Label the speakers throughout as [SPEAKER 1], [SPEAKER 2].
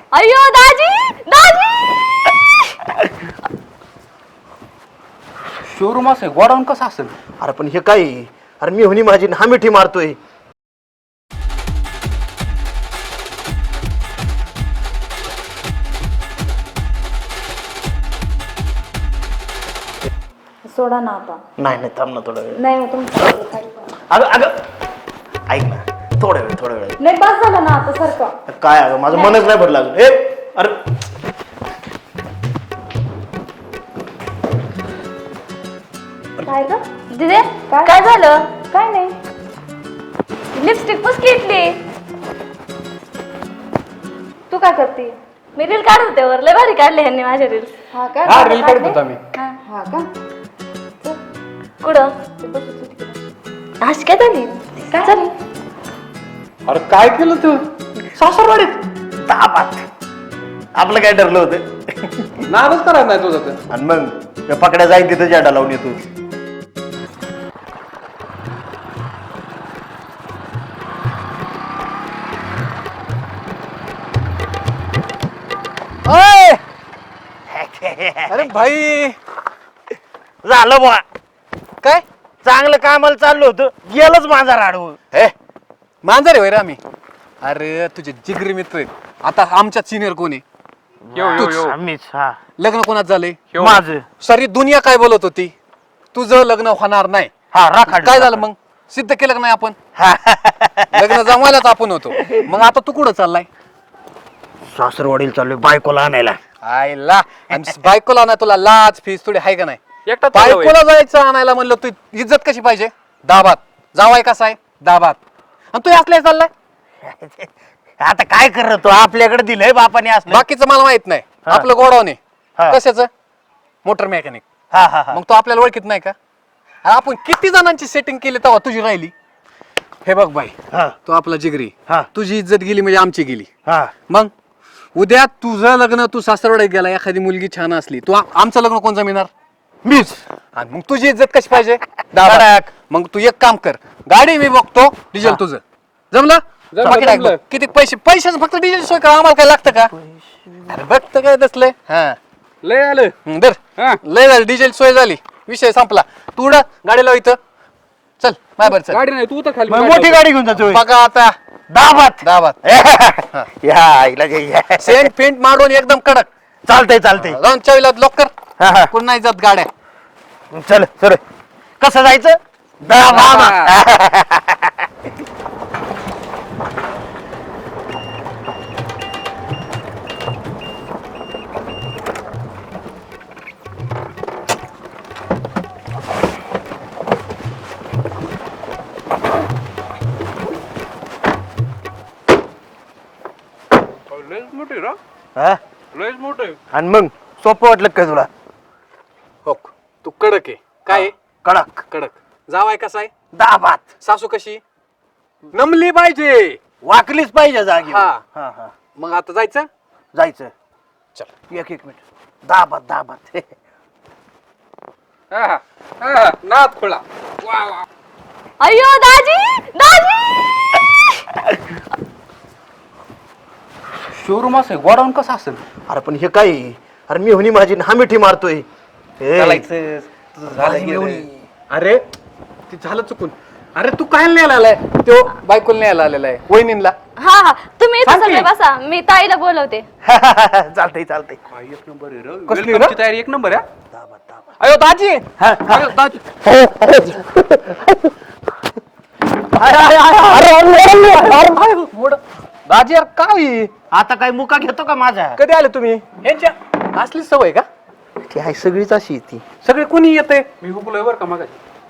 [SPEAKER 1] अय्यो दाजी दाजी
[SPEAKER 2] शोरूम असेल गोडाऊन कसं असेल?
[SPEAKER 3] अरे पण हे काय अरे मी होणी माझी हा मिठी मारतोय.
[SPEAKER 1] सोडा ना आता.
[SPEAKER 3] नाही नाही थांब ना थोडा वेळ.
[SPEAKER 1] नाही मग तुमचं
[SPEAKER 3] अगं अगं ऐक ना थोडा वेळ
[SPEAKER 1] नाही बस झालं ना आता सारखं.
[SPEAKER 3] काय अगं माझं मनच नाही भरलं अगं. ए अरे
[SPEAKER 1] काय ग दिदे काय झालं? काय नाही लिपस्टिक पुस घेतली. तू काय करते? मी रील काढत होते वर लय भारी काढले ह्यांनी माझे रील्स. हा का?
[SPEAKER 2] हा रील काढत होता मी.
[SPEAKER 1] हा का? कुठं? आज काय झाली? काय झाली?
[SPEAKER 2] अरे काय केलं तू?
[SPEAKER 3] सासरवाडीत दाबात आपलं काय ठरलं होतं.
[SPEAKER 2] नादच करायचं नाही तुझं तर.
[SPEAKER 3] आणि मग पकड्या जाईन तिथं जाडा लावून येतो.
[SPEAKER 2] अरे भाई
[SPEAKER 3] झालं बुवा
[SPEAKER 2] काय
[SPEAKER 3] चांगलं कामाला चाललो होतं गेलंच माझा राडवं.
[SPEAKER 2] हे मांजर आहे रे आम्ही. अरे तुझे जिगरी मित्र आहेत. आता आमच्या सिनियर कोण आहे?
[SPEAKER 3] आम्हीच हा
[SPEAKER 2] लग्न कोणात झाले?
[SPEAKER 3] माझं
[SPEAKER 2] सारी दुनिया काय बोलत होती? तुझं लग्न होणार नाही.
[SPEAKER 3] हा राखाड
[SPEAKER 2] काय झालं मग? सिद्ध केलं का नाही आपण? लग्न जमवायलाच आपण होतो. मग आता तू कुठं चाललाय?
[SPEAKER 3] सासरवाडीला चाललोय बायकोला आणायला.
[SPEAKER 2] आयला आणि बायकोला ना तुला लाज फीस थोडी आहे का नाही? बायकोला जायचं आणायला म्हणलं तू इज्जत कशी पाहिजे? दाबात जावाय कसा आहे? दाबात. आणि तू असल्या चाललाय?
[SPEAKER 3] आता काय करत तो आपल्याकडे दिलंय बापाने असलं.
[SPEAKER 2] बाकीचं मला माहित नाही.
[SPEAKER 3] हा.
[SPEAKER 2] आपलं गोडाऊन
[SPEAKER 3] हा.
[SPEAKER 2] आहे कशाचं? Motor mechanic.
[SPEAKER 3] हा हा हा
[SPEAKER 2] मग तू आपल्याला ओळखीत नाही का? अरे आपण किती जणांची सेटिंग केली तेव्हा तुझी राहिली. हे बघ बाई
[SPEAKER 3] हा
[SPEAKER 2] तू आपला जिगरी.
[SPEAKER 3] हा.
[SPEAKER 2] तुझी इज्जत गेली म्हणजे आमची गेली.
[SPEAKER 3] हा
[SPEAKER 2] मग उद्या तुझं लग्न तू सासरवाडीत गेला एखादी मुलगी छान असली तू आमचं लग्न कोण जमिणार?
[SPEAKER 3] मीच.
[SPEAKER 2] आणि मग तुझी इज्जत कशी पाहिजे? दाबात. मग तू एक काम कर गाडी मी बघतो डिझेल तुझं जमलं? बाकी नाही बघ. किती पैशाचं फक्त डिझेल सोय कर आम्हाला काय लागतं का? अरे बघतं काय दसलंय. हा
[SPEAKER 4] लय आलं
[SPEAKER 2] दर लय झालं डिझेल सोय झाली विषय संपला. तू उडा गाडी लाव इथं चल बाय बर चल.
[SPEAKER 4] गाडी नाही तू तर खाली
[SPEAKER 3] मग मोठी गाडी घेऊन जातोय.
[SPEAKER 2] बघा आता
[SPEAKER 3] दाबात
[SPEAKER 2] दाबात
[SPEAKER 3] या आईला जे या.
[SPEAKER 2] सेंट पेंट मारून एकदम कडक.
[SPEAKER 3] चालतंय चालतंय.
[SPEAKER 2] जाऊन चावीला लॉक कर.
[SPEAKER 3] हा, हा.
[SPEAKER 2] कोण नाही जात गाड्या.
[SPEAKER 3] चल सर कसं जायचं? दाबात.
[SPEAKER 4] लयच मोठी रा
[SPEAKER 3] हा?
[SPEAKER 4] लयच मोठे
[SPEAKER 3] आणि मग सोपं वाटलं काय तुला?
[SPEAKER 2] हो तू कडक आहे काय आहे?
[SPEAKER 3] कडक
[SPEAKER 2] कडक. जावाय कसा आहे?
[SPEAKER 3] दाबात
[SPEAKER 2] सासू कशी? नमली पाहिजे.
[SPEAKER 3] वाकलीच पाहिजे जागी.
[SPEAKER 2] हा.
[SPEAKER 3] हा हा
[SPEAKER 2] मग आता जायचं?
[SPEAKER 3] जायचं.
[SPEAKER 2] चल
[SPEAKER 3] एक मिनिट दाबात दाबात.
[SPEAKER 4] नाद खोळा वा वा
[SPEAKER 1] अय्यो दाजी दाजी
[SPEAKER 2] शोरूम असेल गोडाऊन कसं असेल?
[SPEAKER 3] अरे पण हे काय अरे मी होणी माझी हा मिठी मारतोय. ए,
[SPEAKER 2] अरे ते झालं चुकून. अरे तू काय न्यायला आलाय? तो बायकोला न्यायला आलेला आहे वहिनीला.
[SPEAKER 1] हा हा तुम्ही इथं
[SPEAKER 2] सांग की.
[SPEAKER 1] सगळे बसा मी ताईला बोलवते.
[SPEAKER 3] चालतंय चालतंय.
[SPEAKER 4] एक नंबर आहे रे
[SPEAKER 2] कसली
[SPEAKER 4] वेलकमची
[SPEAKER 2] रे?
[SPEAKER 4] तयारी एक नंबर आहे
[SPEAKER 3] दाबात दाबात.
[SPEAKER 2] अयो दाजी अयो, दाजी दाजी यार काय
[SPEAKER 3] आता काय मुका घेतो का माझा?
[SPEAKER 2] कधी आले तुम्ही? यांच्या असली सवय का?
[SPEAKER 3] ती आहे सगळीच अशी आहे ती.
[SPEAKER 2] सगळे कोणी येते?
[SPEAKER 4] मी हुकलोय बरं का मग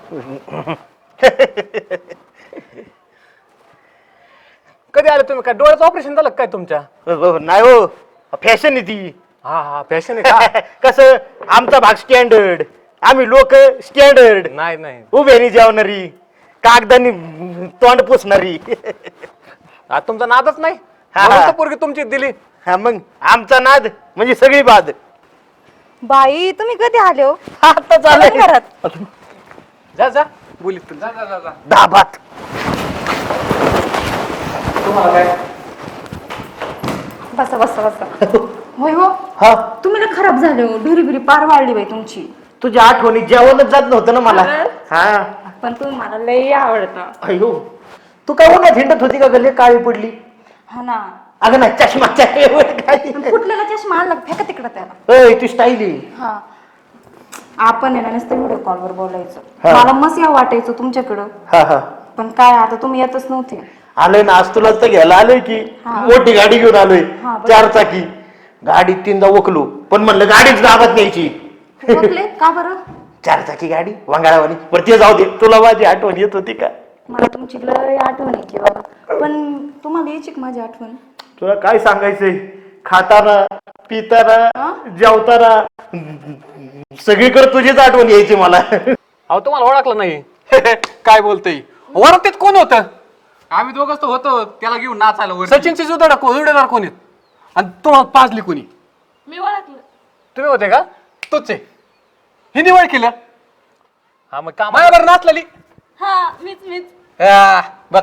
[SPEAKER 2] कधी आले तुम्ही? काय डोळ्याचं ऑपरेशन झालं का काय तुमच्या?
[SPEAKER 3] नाही हो फॅशन आहे ती.
[SPEAKER 2] हा हा फॅशन आहे का?
[SPEAKER 3] कसं आमचा भाग स्टँडर्ड आम्ही लोक स्टँडर्ड
[SPEAKER 2] नाही नाही
[SPEAKER 3] उभेनी जेवणारी कागदानी तोंड पुसणारी.
[SPEAKER 2] आता तुमचा नादच नाही.
[SPEAKER 3] हा.
[SPEAKER 2] म्हणून तर पोरगी तुमची दिली.
[SPEAKER 3] हा मग आमचा नाद म्हणजे सगळी बाद.
[SPEAKER 1] बाई तुम्ही कधी आले हो?
[SPEAKER 3] आता चालू
[SPEAKER 1] घरात
[SPEAKER 2] जा जा बोलीत
[SPEAKER 4] जा जा जा जा
[SPEAKER 3] दाबात.
[SPEAKER 2] तुम्हाला काय
[SPEAKER 5] बसा बसा बसा. होय हो,
[SPEAKER 3] हा
[SPEAKER 5] तुम्ही ना खराब झाले हो, ढुरी बिरी पार वाढली बाई तुमची.
[SPEAKER 3] तुझ्या आठवणी जेवणच जात नव्हतं ना मला.
[SPEAKER 5] खरंच?
[SPEAKER 3] हा
[SPEAKER 5] पण तुम्ही मला लई आवडता.
[SPEAKER 3] अयो तू काय उन्हात हिंडत होती का गल्ली काळी पडली?
[SPEAKER 5] हा ना.
[SPEAKER 3] अगं नाही चष्माच्या काय
[SPEAKER 5] फुटलेला चष्मा आणला फेका तिकडं त्याला.
[SPEAKER 3] अय ती स्टाईल आहे.
[SPEAKER 5] हा आपण आहे ना नुसतं व्हिडिओ कॉलवर बोलायचं.
[SPEAKER 3] हा.
[SPEAKER 5] मला मस्त या वाटायचं तुमच्याकडं.
[SPEAKER 3] हा हा
[SPEAKER 5] पण काय आता तुम्ही येतच नव्हते.
[SPEAKER 3] आलोय ना आज तुला तर घ्यायला आलोय की
[SPEAKER 5] हा.
[SPEAKER 3] मोठी गाडी घेऊन आलोय
[SPEAKER 5] हा, बरोबर.
[SPEAKER 3] 4 चाकी. गाडीत 3दा वकलो पण म्हणलं गाडीच गावात न्यायची.
[SPEAKER 5] बघले का बरं?
[SPEAKER 3] 4 चाकी गाडी वांगाळावानी बरं ते जाऊ दे. तुला माझी आठवण येत होती का?
[SPEAKER 5] मला तुमची लय आठवण यायची बाबा. पण तुम्हाला यायची का माझी आठवण?
[SPEAKER 3] तुला काय सांगायचंय खाताना पिताना
[SPEAKER 5] हा?
[SPEAKER 3] जेवताना सगळीकडे तुझीच आठवण यायची मला.
[SPEAKER 2] अहो तुम्हाला ओळखलं नाही. काय बोलतोय वरतीत कोण होतं?
[SPEAKER 4] आम्ही दोघंच तर होतो त्याला घेऊन नाचायला वर.
[SPEAKER 2] सचिनची जुदार कोण आहेत आणि तुम्हाला पाजली कोणी?
[SPEAKER 1] मी ओळखलं.
[SPEAKER 2] तुम्ही होते का? तोच आहे. ही निवड केलं. हा मग का माझ्यावर नाचलेली?
[SPEAKER 1] हा मीच
[SPEAKER 2] बघ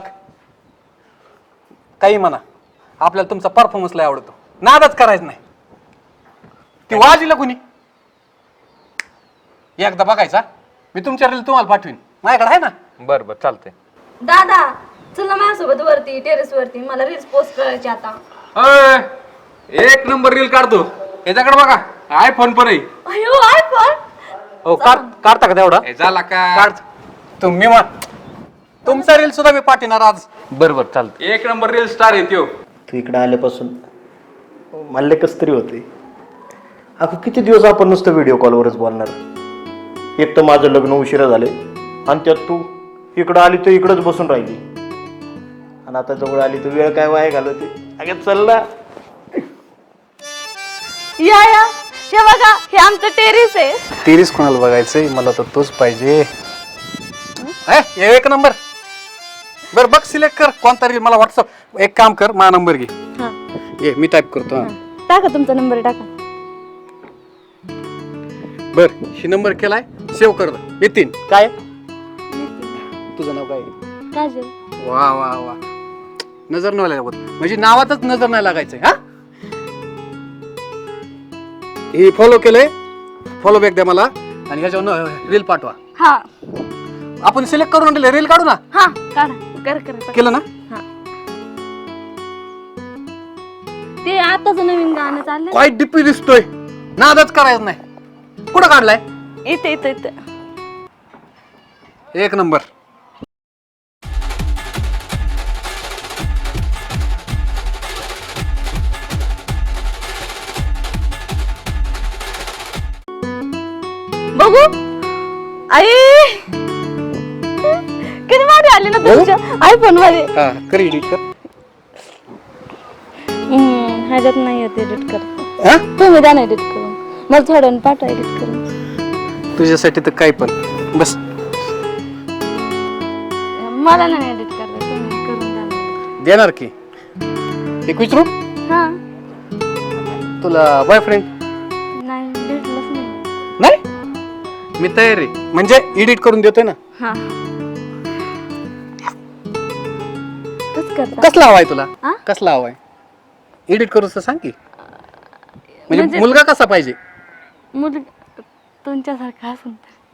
[SPEAKER 2] काही म्हणा आपल्याला तुमचा परफॉर्मन्स लय आवडतो. नादच करायचं नाही. ती वाजीला कोणी? एकदा बघायचा. मी तुमच्या रील तुम्हाला पाठवीन. माझ्याकडे आहे ना.
[SPEAKER 4] बरं बरं चालतंय.
[SPEAKER 1] दादा चल ना माझ्यासोबत वरती टेरेस वरती, मला रील्स पोस्ट करायची आता.
[SPEAKER 4] अय, एक नंबर रील काढतो. याच्याकडे बघा आयफोन पण आहे.
[SPEAKER 1] अयो आयफोन.
[SPEAKER 2] हो काढता का तेवढा?
[SPEAKER 4] हे झाला का?
[SPEAKER 2] काढ तुम्ही तुमचा रील सुद्धा मी पाठवणार आज.
[SPEAKER 4] बरं बरं चालतंय. एक नंबर रील स्टार आहे त्यो.
[SPEAKER 3] तू इकडे आल्यापासून मला कस तरी होते. अगं किती दिवस आपण नुसतं व्हिडिओ कॉलवरच बोलणार. एक तर माझं लग्न उशिरा झाले आणि त्यात तू इकडं आली तर इकडंच बसून राहिली आणि आता जवळ आली तर वेळ काय वाया घालवते. अगं चल ना.
[SPEAKER 1] या हे बघा हे आमचं टेरेस आहे.
[SPEAKER 2] तेरीस कोणाला बघायचंय? मला तर तोच पाहिजे. एक नंबर. बर बघ सिलेक्ट कर कोणता रील. मला व्हॉट्सअप एक काम कर माझा नंबर घे.
[SPEAKER 1] हा
[SPEAKER 2] ये मी टाईप करतो.
[SPEAKER 1] टाका तुमचा नंबर टाका.
[SPEAKER 2] बर ही नंबर केलाय सेव्ह कर. नितीन काय तुझं नाव काय?
[SPEAKER 1] काजल.
[SPEAKER 2] वा वा वा नजर नाही लागत म्हणजे नावातच नजर नाही लागायचंय. हा हे फॉलो केलंय. फॉलो बॅक द्या मला आणि ह्याच्यावर रील पाठवा.
[SPEAKER 1] हा
[SPEAKER 2] आपण सिलेक्ट करून रील काढू ना.
[SPEAKER 1] हा काढा कर
[SPEAKER 2] केलं ना.
[SPEAKER 1] हा ते आताच नवीन गाणं चाललंय.
[SPEAKER 2] काय डिपी दिसतोय. नादच करायचं नाही. कुठं काढलाय?
[SPEAKER 1] इथे
[SPEAKER 2] एक नंबर.
[SPEAKER 1] बघू आई किती भारी आली ना तुमच्या आयफोन मध्ये.
[SPEAKER 2] हा कर एडिट कर.
[SPEAKER 1] ह्याच्यात नाही येत एडिट कर.
[SPEAKER 2] हा
[SPEAKER 1] तुम्ही द्या ना एडिट करून. मला थोडं पाठवा एडिट करून.
[SPEAKER 2] तुझ्यासाठी तर काय पण बस.
[SPEAKER 1] मला नाही एडिट करता तुम्ही करून द्या ना.
[SPEAKER 2] देणार की. एक विचारू
[SPEAKER 1] हा
[SPEAKER 2] तुला बॉयफ्रेंड
[SPEAKER 1] नाही भेटलंच नाही.
[SPEAKER 2] नाही? मी तयार आहे म्हणजे एडिट करून देतोय ना.
[SPEAKER 1] हा कसं करता?
[SPEAKER 2] कसला हवाय तुला?
[SPEAKER 1] हा?
[SPEAKER 2] कसला हवाय? एडिट करूच तर सांग की. म्हणजे
[SPEAKER 1] म्हणजे-
[SPEAKER 2] मुलगा कसा पाहिजे?
[SPEAKER 1] तुमच्यासारखं असून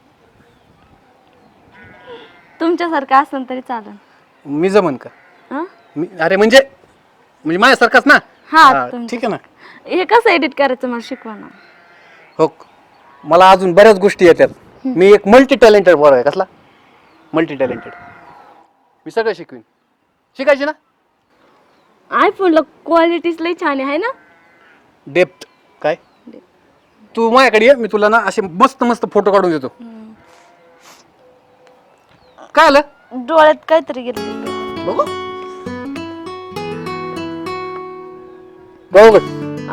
[SPEAKER 1] तुमच्यासारखं असून तरी चालेल.
[SPEAKER 2] मी जमन का?
[SPEAKER 1] हा
[SPEAKER 2] अरे म्हणजे माझ्यासारखाच ना.
[SPEAKER 1] हा
[SPEAKER 2] हा,
[SPEAKER 1] तुमच्या-
[SPEAKER 2] ठीक आहे ना.
[SPEAKER 1] हे कसं एडिट करायचं मला शिकवा ना.
[SPEAKER 2] हो मला अजून बऱ्याच गोष्टी येतात. मी एक मल्टी टॅलेंटेड बॉय आहे. कसला मल्टी टॅलेंटेड? मी सगळं शिकवीन. शिकायचे ना.
[SPEAKER 1] आयफोनला क्वालिटीज लई छान आहे ना.
[SPEAKER 2] डेप्थ काय? तू माझ्याकडे ये मी तुला ना असे मस्त मस्त फोटो काढून देतो. काय आलं?
[SPEAKER 1] डोळ्यात काहीतरी गेलं.
[SPEAKER 2] बघू बघू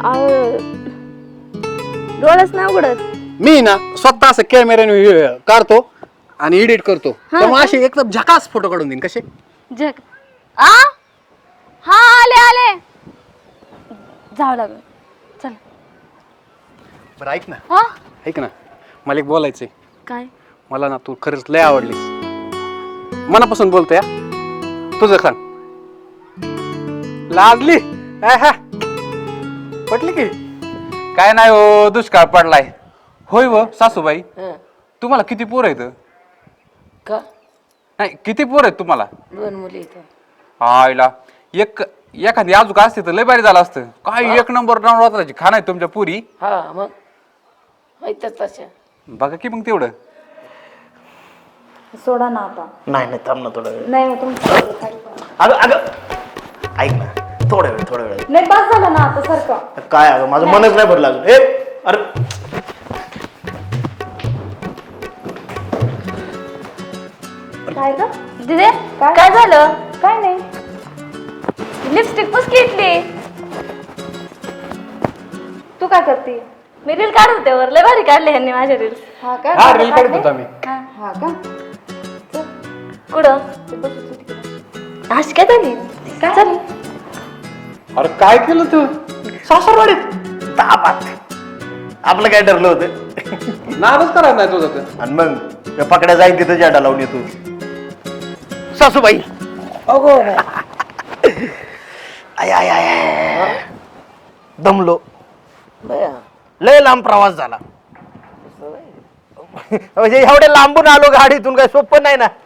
[SPEAKER 1] डोळ्याच नाही उघडत.
[SPEAKER 2] मी ना स्वतः असं कॅमेऱ्याने काढतो आणि एडिट करतो.
[SPEAKER 1] हा
[SPEAKER 2] त्यामुळे असे एकदम झकास फोटो काढून देईन. कसे?
[SPEAKER 1] जग आ हा आले जावं लागलं. चल
[SPEAKER 2] बरं ऐक ना.
[SPEAKER 1] हा
[SPEAKER 2] ऐक ना मला एक बोलायचंय.
[SPEAKER 1] काय?
[SPEAKER 2] मला ना तू खरंच लय आवडलीस. मनापासून बोलतोय. तुझं सांग. लाजली? पटली की?
[SPEAKER 4] काय नाही हो, दुष्काळ पडलाय. होय व सासूबाई, तुम्हाला किती पोर आहेत?
[SPEAKER 6] का
[SPEAKER 4] नाही, किती पोर आहेत तुम्हाला?
[SPEAKER 6] 2 मुली इथं.
[SPEAKER 4] आईला एखादी आजूक असते तर लय भारी झालं असतं. काय एक नंबर नवरात्राची खाण आहे तुमच्या पुरी.
[SPEAKER 6] हा मग माहितच तशा.
[SPEAKER 4] बघा की मग तेवढं.
[SPEAKER 1] सोडा ना आता.
[SPEAKER 3] नाही थांब ना थोडा वेळ.
[SPEAKER 1] नाही मग तुमचं
[SPEAKER 3] अगं अगं ऐक ना, थोडा वेळ.
[SPEAKER 1] नाही बस झालं ना आता सारखं.
[SPEAKER 3] काय अगं माझं मनच नाही भरलं अजून. अरे
[SPEAKER 1] काय ग दिदे काय झालं? काय नाही, लिपस्टिक पुसकी इथली. तू काय करते? मी रील काढत होते वर, लय भारी काढले ह्यांनी माझे रील. हा का?
[SPEAKER 2] हा रील काढत होता मी.
[SPEAKER 1] हा का? कुठं? अशी काय झाली? काय झाली?
[SPEAKER 2] अरे काय केलं तू?
[SPEAKER 3] सासरवाडीत तापात आपलं काय ठरलं होतं.
[SPEAKER 2] नाराज करायला नाही तुझं तर.
[SPEAKER 3] आणि मग पकड्या जाईल तिथं जाडा लावून येतो. सासूबाई
[SPEAKER 6] अगो
[SPEAKER 3] आय आय आय दमलो.
[SPEAKER 6] बया
[SPEAKER 3] लय लांब प्रवास झाला. म्हणजे एवढे लांबून आलो गाडीतून, काय सोपं नाही ना.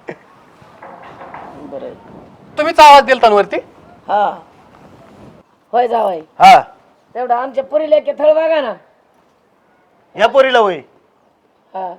[SPEAKER 6] बरं.
[SPEAKER 2] तुम्हीच आवाज दिलता ना वरती?
[SPEAKER 6] हा होय जावाई.
[SPEAKER 3] हा
[SPEAKER 6] तेवढं आमच्या पुरीला एक थळ बघा ना.
[SPEAKER 3] या पोरीला होय.
[SPEAKER 6] हा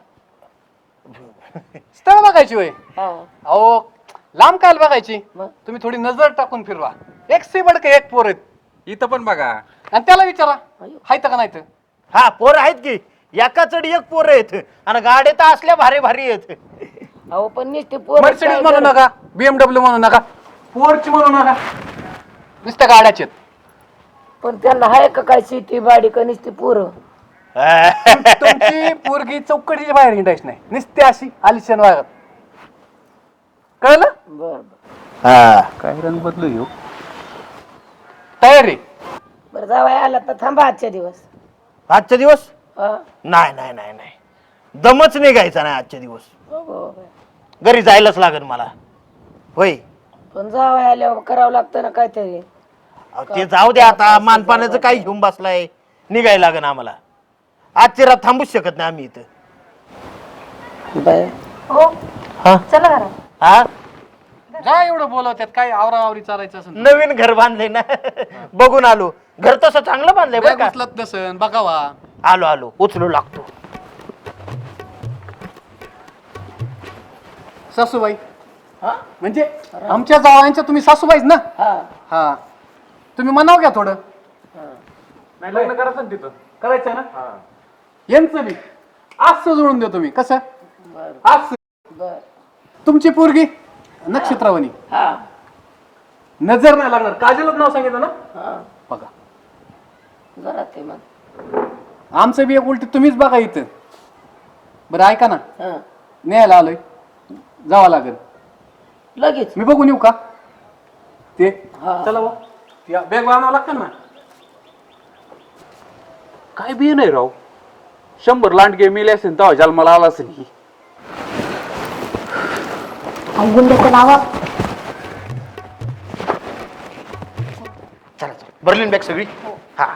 [SPEAKER 2] स्थळ बघायची होय?
[SPEAKER 6] हा
[SPEAKER 2] अहो लांब काय बघायची?
[SPEAKER 6] मग?
[SPEAKER 2] तुम्ही थोडी नजर टाकून फिरवा. एक से बडके एक पोर आहेत.
[SPEAKER 4] इथं पण बघा.
[SPEAKER 2] आणि त्याला विचारा हायत का नाही तर.
[SPEAKER 3] हा पोर आहेत की, एका चढ एक पोर आहेत आणि गाड्या तर असल्या भारी भारी आहेत.
[SPEAKER 6] अहो पण नुसते पोर
[SPEAKER 2] मर्सिडीज म्हणू नका, BMW म्हणू नका, पोरची म्हणू नका, नुसत्या गाड्याचे.
[SPEAKER 6] पण त्यांना हाय का काय शेती बाडी का नुसती पोरं?
[SPEAKER 2] तुमची पोरगी चौकटीच्या बाहेर हिंडायची नाही, नुसती अशी आलिशान वागत. कळलं?
[SPEAKER 6] बर
[SPEAKER 3] हा
[SPEAKER 2] काय रंग बदलू येऊ. तयारी
[SPEAKER 6] बरं जावाई आला तर थांबा आजच्या दिवस.
[SPEAKER 3] आजचा दिवस
[SPEAKER 6] हा
[SPEAKER 3] नाही दमच निघायचा नाही आजच्या दिवस.
[SPEAKER 6] अगो बाई.
[SPEAKER 3] घरी जायलाच लागेल मला. होय
[SPEAKER 6] पण जावाई आल्यावर करावं लागतं ना काहीतरी.
[SPEAKER 3] अहो, ते जाऊ दे आता. मानपाण्याचं काही घेऊन बसलाय, निघायला लागेल आम्हाला. आजची रात थांबूच शकत नाही आम्ही इथं.
[SPEAKER 6] बाय
[SPEAKER 1] हो
[SPEAKER 3] हा
[SPEAKER 1] चला घरा.
[SPEAKER 3] हा
[SPEAKER 2] जा एवढं बोलवत्यात, काय आवराआवरी चालायचं असं.
[SPEAKER 3] नवीन घर बांधले ना, बघून आलो. घर तसं चांगलं बांधलंय बरं का.
[SPEAKER 2] उचलत नसन बघावा.
[SPEAKER 3] आलो उचलू लागतो.
[SPEAKER 2] सासूबाई म्हणजे आमच्या जावांच्या तुम्ही सासूबाईच ना?
[SPEAKER 6] हा
[SPEAKER 2] हा तुम्ही म्हणाव घ्या थोडं. नाही लग्न करायचं ना तिथं. करायचं ना? यांचं बी असं जोडून देतो मी. कसं असं.
[SPEAKER 6] बर
[SPEAKER 2] तुमची पोरगी नक्षत्रावणी,
[SPEAKER 6] हा
[SPEAKER 2] नजर नाही लागणार. काजलच नाव सांगितलं ना?
[SPEAKER 6] हा
[SPEAKER 2] बघा
[SPEAKER 6] जरा ते मग
[SPEAKER 2] आमचं बी एक उलटी तुम्हीच बघा इथं. बरं ऐका ना,
[SPEAKER 6] हा
[SPEAKER 2] न्यायला आलोय, जावं लागेल.
[SPEAKER 6] लगेच
[SPEAKER 2] मी बघून येऊ का ते?
[SPEAKER 6] हा.
[SPEAKER 2] चला बॅग आणावं लागतं ना.
[SPEAKER 4] काय बी नाही राव. 100 लांडगे मेले असेल तेव्हा जन्माला आला असेल ही.
[SPEAKER 1] गुंड्याचं नावा.
[SPEAKER 3] चला भरली बॅग सगळी. हा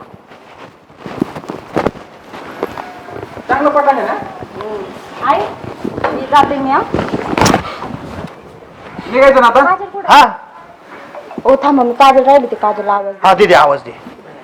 [SPEAKER 2] चांगलं पटाने ना.
[SPEAKER 1] आई मी जाते मी.
[SPEAKER 2] निघायचं ना आता.
[SPEAKER 3] हा
[SPEAKER 1] ओ थांबा, मी काजल राहिली, ते काजल आवाज.
[SPEAKER 3] हा दे आवाज दे.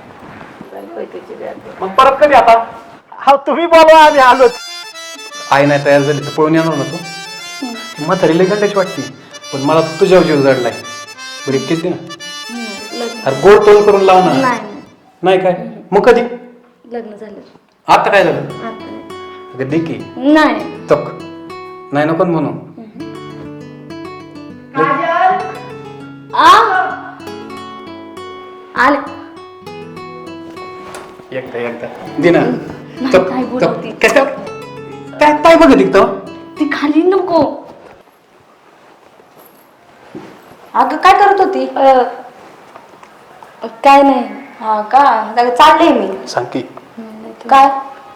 [SPEAKER 2] मग परत कधी आता?
[SPEAKER 3] हा तुम्ही बोलवा, आम्ही आलोच.
[SPEAKER 2] आई नाही तयार झाली तर पळून येणार ना तू. म्हातारी लई गंडाची वाटते, पण मला तुझ्यावर जीव जडलाय. बरं एकटीच दे ना. अरे गोड तोंड करून लाव ना. नाही काय मग कधी
[SPEAKER 1] लग्न झालं
[SPEAKER 2] आता काय झालं?
[SPEAKER 1] आता नाही.
[SPEAKER 2] अगं दे की.
[SPEAKER 1] नाही
[SPEAKER 2] तक नाही नको म्हणू.
[SPEAKER 1] आले.
[SPEAKER 2] एकदा दे ना. तक
[SPEAKER 1] काय बोलवती?
[SPEAKER 2] कसं काय काय बघत दिखतो.
[SPEAKER 1] ती खाली नको. अगं काय करत होती? काय नाही. हा का? चालले मी.
[SPEAKER 2] सांग की.
[SPEAKER 1] काय?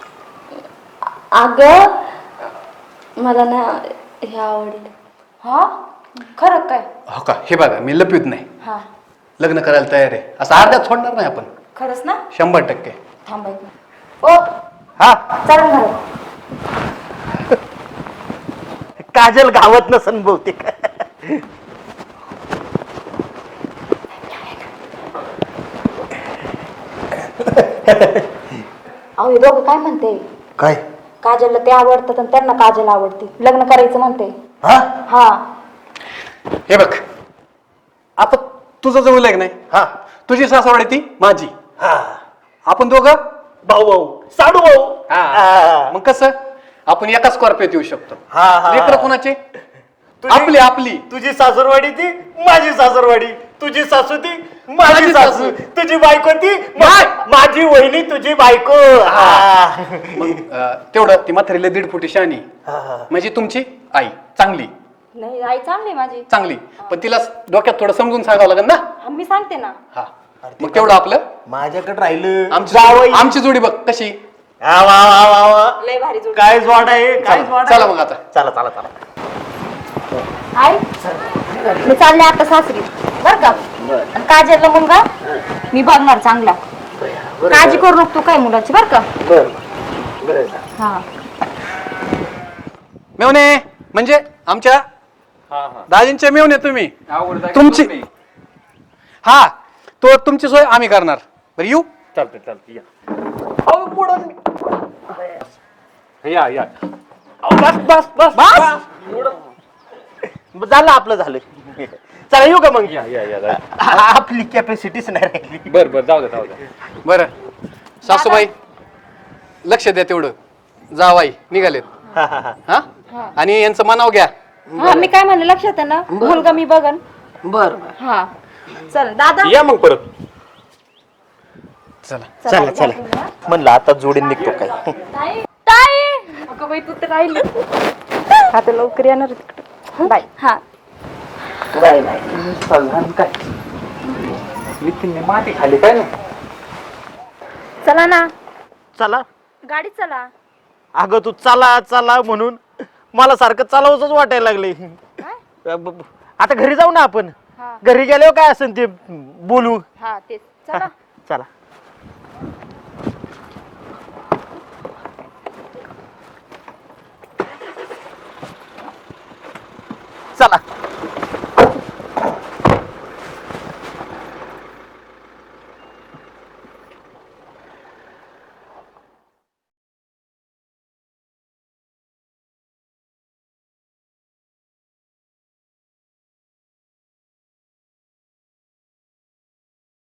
[SPEAKER 1] अगं मला ना हे आवडलं. हा खरं काय?
[SPEAKER 2] हो का? हे बघा मी लपित नाही.
[SPEAKER 1] हा
[SPEAKER 2] लग्न करायला तयार आहे. असं अर्ध्यात सोडणार नाही आपण.
[SPEAKER 5] खरंच ना?
[SPEAKER 2] 100%.
[SPEAKER 5] थांबाय ओ
[SPEAKER 3] हा
[SPEAKER 5] चला घरात.
[SPEAKER 3] काजल गावात नसन बहुतेक.
[SPEAKER 5] अहो हे दोघं काय म्हणते?
[SPEAKER 3] काय
[SPEAKER 5] काजलला ते आवडतात आणि त्यांना काजल आवडते, लग्न करायचं म्हणते.
[SPEAKER 3] हा
[SPEAKER 5] हा
[SPEAKER 2] हे बघ, आता तुझं जवळ लग्न आहे.
[SPEAKER 3] हा
[SPEAKER 2] तुझी सासरवाडी ती माझी.
[SPEAKER 3] हा
[SPEAKER 2] आपण दोघं
[SPEAKER 3] भाऊ भाऊ साडू भाऊ.
[SPEAKER 2] मग कसं आपण एका स्कॉर्पिओत येऊ शकतो.
[SPEAKER 3] हा, हा.
[SPEAKER 2] लेकरं कोणाचे?
[SPEAKER 3] तुझी-
[SPEAKER 2] आपली आपली.
[SPEAKER 3] तुझी सासरवाडी ती माझी सासरवाडी, तुझी सासू ती माझी
[SPEAKER 2] माझी
[SPEAKER 3] सासू,
[SPEAKER 2] सासू.
[SPEAKER 3] तुझी बायको ती माझी वहिनी, तुझी बायको.
[SPEAKER 2] तेवढं ती म्हातारीला 1.5 फुटी शानी म्हणजे तुमची आई चांगली
[SPEAKER 5] नाही आई चांगली माझी.
[SPEAKER 2] चांगली, पण तिला डोक्यात थोडं समजून सांगावं लागेल ना.
[SPEAKER 5] हा, मी सांगते ना.
[SPEAKER 2] हा मग तेवढं आपलं
[SPEAKER 3] माझ्याकडे राहिलं
[SPEAKER 2] आमची आमची जोडी बघ कशी.
[SPEAKER 3] वा वा वा वा.
[SPEAKER 5] लय भारी जोडी.
[SPEAKER 3] काय जोड आहे, काय
[SPEAKER 2] चला
[SPEAKER 3] जोड
[SPEAKER 2] चला
[SPEAKER 3] आहे.
[SPEAKER 2] मग आता.
[SPEAKER 3] चला चला चला.
[SPEAKER 5] आई मी चालले आता सासरी बर का. आणि काजलला मुलगा मी बघणार चांगला. काळजी करू नको तू काय मुलाची बर का. हा
[SPEAKER 2] मेवणे म्हणजे आमच्या दाजींचे मेवणे तुम्ही.
[SPEAKER 4] आवड जागी
[SPEAKER 2] तुमची
[SPEAKER 4] तुम्ही.
[SPEAKER 2] हा तो तुमची सोय आम्ही करणार. बरं येऊ.
[SPEAKER 3] चालतंय चालतंय या.
[SPEAKER 4] या या
[SPEAKER 3] बस बस बस झालं आपलं झालं. चला येऊ का मग. आपली कॅपॅसिटीच नाही राहिली.
[SPEAKER 4] बर बर जाऊ द्या.
[SPEAKER 2] बरं सासूबाई लक्ष द्या तेवढं. जावाई निघालेत. हा आणि यांचं मनाव घ्या.
[SPEAKER 5] हा मी काय म्हणलं लक्षात आहे ना. मुलगा मी बघन.
[SPEAKER 6] बर
[SPEAKER 5] हा चल दादा.
[SPEAKER 3] या मग परत.
[SPEAKER 2] चला
[SPEAKER 3] चला चला म्हणलं आता जोडीन निघतो काय.
[SPEAKER 5] ताई अगं बाई तू तर राहिली. आता लवकर येणार तिकडे. बाय. हा
[SPEAKER 6] बाय बाय.
[SPEAKER 4] काय नितीनने माती खाली काय ना.
[SPEAKER 5] चला ना
[SPEAKER 3] चला
[SPEAKER 5] गाडीत चला.
[SPEAKER 3] अगं तू चला चला म्हणून मला सारखं चालावंच वाटायला लागले. आता घरी जाऊ ना आपण.
[SPEAKER 5] हा.
[SPEAKER 3] घरी गेल्यावर काय असेल ते बोलू.
[SPEAKER 5] हा तेच चला.
[SPEAKER 3] चला चला